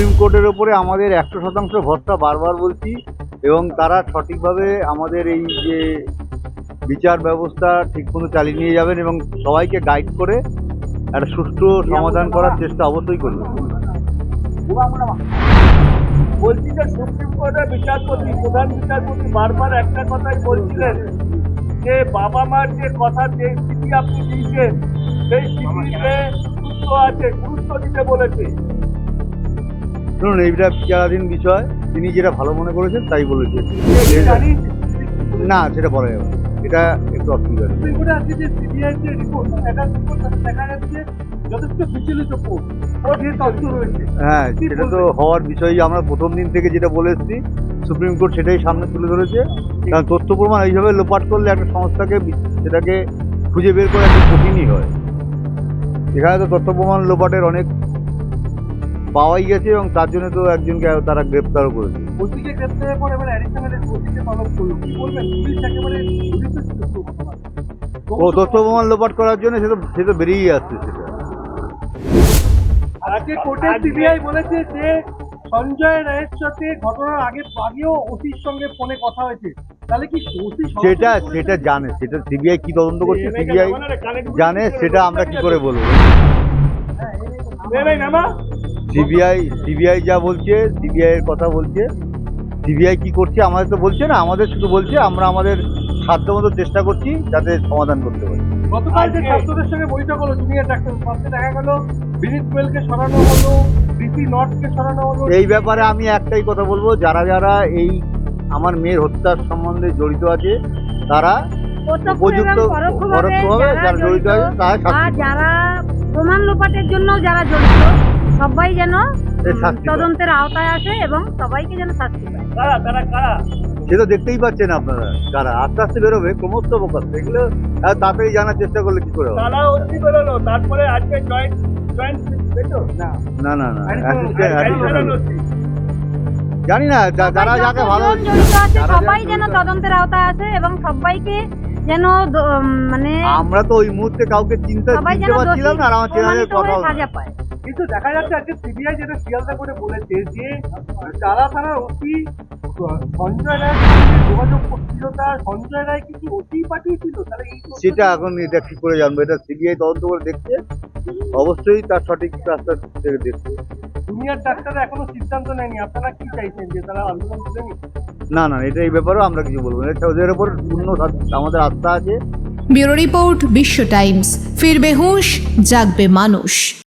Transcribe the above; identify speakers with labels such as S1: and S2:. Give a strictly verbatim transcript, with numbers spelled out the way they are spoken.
S1: Supreme কোর্টের ওপরে আমাদের একশো শতাংশ ভরসা বারবার বলছি, এবং তারা সঠিকভাবে আমাদের এই যে বিচার ব্যবস্থা ঠিকমতো চালিয়ে নিয়ে যাবেন এবং সবাইকে গাইড করে একটা সুষ্ঠু সমাধান করার চেষ্টা অবশ্যই করবেন।
S2: বলছি যে সুপ্রিম কোর্টের বিচারপতি প্রধান বিচারপতি বারবার একটা কথাই বলছিলেন যে বাবা মার যে কথা যে চিঠি আপনি দিয়েছেন সেই চিঠিতে গুরুত্ব আছে, গুরুত্ব দিতে বলেছে।
S1: শুনুন, এইটা বিচারাধীন বিষয়, তিনি যেটা ভালো মনে করেছেন তাই বলেছেন। না, সেটা বলা যাবে না, এটা একটু অসুবিধা।
S2: সুপ্রিম কোর্টে আজকে যে সিবিআই যে রিপোর্ট দেখা দেখা যাচ্ছে যথেষ্ট বিচলিত কোর্ট তথ্য রয়েছে।
S1: হ্যাঁ, সেটা তো হওয়ার বিষয়। আমরা প্রথম দিন থেকে যেটা বলে এসেছি, সুপ্রিম কোর্ট সেটাই সামনে তুলে ধরেছে। কারণ তথ্য প্রমাণ এইভাবে লোপাট করলে একটা সংস্থাকে সেটাকে খুঁজে বের করা একটু কঠিনই হয়। এখানে তো তথ্য প্রমাণ লোপাটের অনেক পাওয়াই গেছে, এবং তার জন্য তো একজনকে তারা গ্রেপ্তারও করেছে।
S2: ওসিকে গ্রেপ্তারের পর এবার অ্যাডিশনাল ওসিকে তলব করলো, কি বলবেন? পুলিশ একেবারে জড়িত ছিল ঘটনায়।
S1: ও তথ্য প্রমাণ লোপাট করার জন্য সে তো সে তো বেরিয়ে আসছে সেটা।
S2: আজকে কোর্টে সিবিআই বলেছে যে সঞ্জয় রায়ের সাথে ঘটনার আগে আগেও ওসির সঙ্গে ফোনে কথা হয়েছে। তাহলে কি ওসি
S1: সেটা সেটা জানে, সেটা সিবিআই কি তদন্ত করছে সিবিআই জানে, সেটা আমরা কি করে বলবো? সিবিআই সিবিআই যা বলছে, সিবিআই এর কথা বলছে, সিবিআই কি করছে আমাদের তো বলছে না, আমাদের শুধু বলছে আমরা আমাদের সাধ্যমতো চেষ্টা করছি যাতে সমাধান করতে পারি।
S2: গতকাল যে ছাত্রদের সঙ্গে বৈঠক হলো জুনিয়র ডাক্তার, ফার্স্টে দেখা গেল বিনীত গোয়েলকে সরানো হলো, ডিসি নর্থকে সরানো হলো।
S1: এই ব্যাপারে আমি একটাই কথা বলবো, যারা যারা এই আমার মেয়ের হত্যার সম্বন্ধে জড়িত আছে তারা উপযুক্ত পরোক্ষভাবে যারা জড়িত আছে তারা শাস্তি পাবে।
S3: যারা প্রমাণ লোপাটের জন্য যারা জড়িত সবাই যেন তদন্তের আওতায় আসে এবং সবাইকে যেন শাস্তি পায়।
S2: কারা কারা কারা
S1: সে তো দেখতেই পাচ্ছেন আপনারা, কারা আস্তে আস্তে বেরোবে ক্রমশ প্রকাশ, এগুলো এত তাড়াতাড়ি জানার চেষ্টা করলে কি করে হবে?
S2: তারা অতি বেরোলো, তারপরে আজকে জয়েন্ট জয়েন্ট
S1: না না না জানি না, যারা যাকে ভালো
S3: জড়িত আছে সবাই যেন তদন্তের আওতায় আসে এবং সবাইকে যেন মানে
S1: আমরা তো ওই মুহূর্তে কাউকে চিন্তা চিনতে পারছিলাম না, আর আমার চ্যানেলের কথা
S3: সাজা পায়।
S2: কিন্তু দেখা যাচ্ছে আজকে সিবিআই যেটা শিয়ালদা করে বলেছে যে যারা থানার ওসি সঞ্জয় রায় যোগাযোগ করছিল, তার সঞ্জয় রায় কিছু ওসি পাঠিয়েছিল, তাহলে
S1: সেটা এখন এটা কি করে জানবো? এটা সিবিআই তদন্ত করে দেখছে, অবশ্যই তার সঠিক রাস্তা থেকে দেখছে।
S2: জুনিয়র ডাক্তাররা এখনো সিদ্ধান্ত নেয়নি, আপনারা কি চাইছেন যে তারা আন্দোলন করেনি?
S1: না না, এটা এই ব্যাপারেও আমরা কিছু বলবো না, এটা ওদের উপর পূর্ণ আমাদের আস্থা আছে।
S4: ব্যুরো রিপোর্ট, বিশ্ব টাইমস। ফিরবে হুঁশ, জাগবে মানুষ।